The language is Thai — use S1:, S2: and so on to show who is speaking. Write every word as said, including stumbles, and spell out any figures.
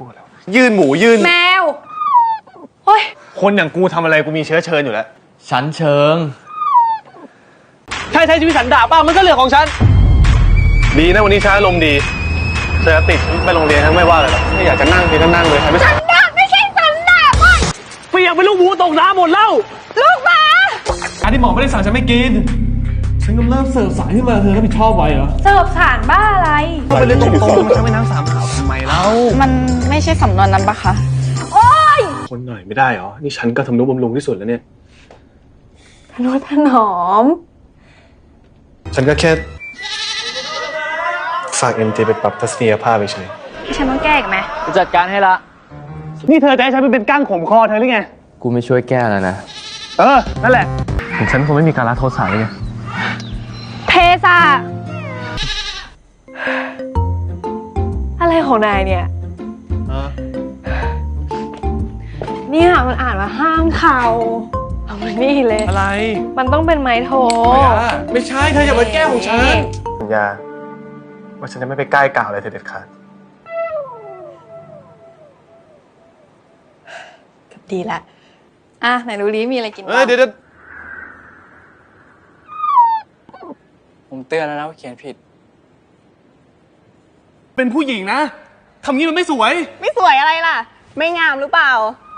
S1: พูดแล้วยื่นหมูยื่น
S2: แมวโอ้ย
S1: คนอย่างกูทำอะไรกูมีเชื้อเชิญอยู่แล้ว
S3: ฉันเชิง
S1: ใช่ใช้ชีวิตสันดาปบ้างมันก็เรื่องของฉันดีนะวันนี้ช้าลมดีเจอติดไปโรงเรียนทั้งไม่ว่าเลยหรอกไม่อยากจะนั่งทีก็นั่งเลยไม่
S2: สันดาปไม่ใช่สันดาปอ่ะ
S1: เปียกเป็นลูกหมูตกน้ำหมดแล้ว
S2: ลูกหมา
S1: อันที่หมอไม่ได้สั่งฉันไม่กินฉันกำลังเสิร์ฟสารขึ้นมาเธอรับผิดชอบไว้เหรอ
S2: เสิร์ฟสารบ้าอะไร
S1: ก็เป็นเรื่องตรงๆมันจะไม่น้ำสามขาวทำไมเล่า
S4: มันไม่ใช่สำนวนนั้นปะคะ
S2: โอ๊ย
S1: คนหน่อยไม่ได้เหรอนี่ฉันก็ทำนุบำรุงที่สุดแล้วเนี่ย
S2: ทนุถนอม
S1: ฉันก็แค่ฝากเอ็มจีไปปรับทัศนียภาพไปเฉย
S2: ฉันต้องแก้อีกไหม
S3: จะจัดการให้ละ
S1: นี่เธอจะให้ฉันเป็นก้างข่มคอเธอหรือไง
S3: กูไม่ช่วยแก้แล้วนะ
S1: เออนั่นแหละถึงฉันคงไม่มีการละโทษสารเลยไง
S2: เทสะอะไรของนายเนี่ยเนี่ยมันอ่านว่าห้ามเข่าเอามานี่เลย
S1: อะไร
S2: มันต้องเป็นไม้โท
S1: ไม่ใช่เธออย่ามาแก้ของฉันสัญญาว่าฉันจะไม่ไปใกล้กล่าวอะไรเธอเด็ดขาด
S2: ดีละอ่ะไหนดูดิมีอะไรกินบ้าง
S1: เดี๋ยว
S3: ผมเตือนแล้วนะว่าเขียนผิด
S1: เป็นผู้หญิงนะทำงี้มันไม่สวย
S4: ไม่สวยอะไรล่ะไม่งามหรือเปล่า